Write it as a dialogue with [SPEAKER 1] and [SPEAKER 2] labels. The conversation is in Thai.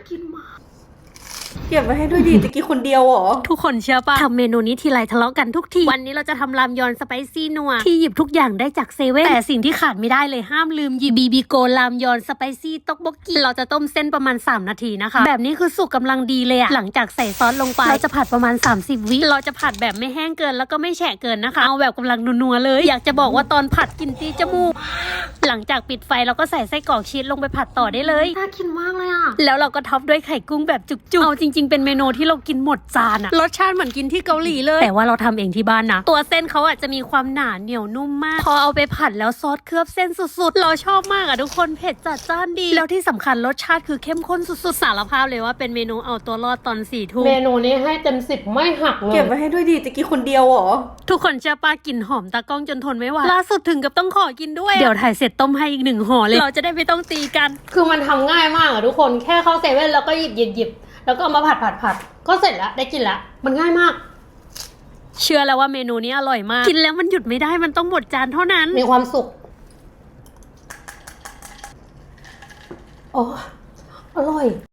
[SPEAKER 1] กินมากเก็บไว้ให้ด้วยดิจะกินคนเดียวเหรอทุกคนเชื่อปะทำเมนูนี้ทีไรทะเลาะกันทุกทีวันนี้เราจะทำรามยอนสไปซี่นัวที่หยิบทุกอย่างได้จากเซเว่นแต่สิ่งที่ขาดไม่ได้เลยห้ามลืมหยิบบีบีโกรามยอนสไปซี่ต๊อกบกกี้เราจะต้มเส้นประมาณ3นาทีนะคะแบบนี้คือสุกกำลังดีเลยอะหลังจากใส่ซอสลงไปเราจะผัดประมาณ30วิเราจะผัดแบบไม่แห้งเกินแล้วก็ไม่แฉะเกินนะคะเอาแบบกำลังนัวๆเลยอยากจะบอกว่าตอนผัดกลิ่นตีจมูกหลังจากปิดไฟเราก็ใส่ไส้กรอกชีสลงไปผัดต่อได้เลยน่ากินมากเลยอะแล้วเราก็ท็อปด้วยไข่กุ้งแบบจุกๆเอาจริงๆเป็นเมนูที่เรากินหมดจานอะรสชาติเหมือนกินที่เกาหลีเลยแต่ว่าเราทำเองที่บ้านนะตัวเส้นเขาอาจจะมีความหนาเหนียวนุ่มมากพอเอาไปผัดแล้วซอสเคลือบเส้นสุดๆเราชอบมากอะทุกคนเผ็ดจัดจ้านดีแล้วที่สำคัญรสชาติคือเข้มข้นสุดๆสารภาพเลยว่าเป็นเมนูเอาตัวรอดตอน4 ทุ่ม
[SPEAKER 2] เมนูนี้ให้เต็ม10ไม่หักเลย
[SPEAKER 1] เก็บไว้ให้ด้วยดิจะกินคนเดียวเหรอทุกคนเชื่อป้ากลิ่นหอมตากล้องจนทนไม่ไหวล่าสุดถึงกับต้องขอกินด้วยเดี๋ยวถ่ายเสร็จต้มให้อีก1ห่อเลยเราจะได้ไม่ต้องตีกัน
[SPEAKER 2] คือมันทำง่ายมากอะทุกคนแค่เข้าเซเว่นแล้วก็หยิบแล้วก็เอามาผัดก็เสร็จแล้วได้กินแล้วมันง่ายมาก
[SPEAKER 1] เชื่อแล้วว่าเมนูนี้อร่อยมากกินแล้วมันหยุดไม่ได้มันต้องหมดจานเท่านั้น
[SPEAKER 2] มีความสุขโอ้อร่อย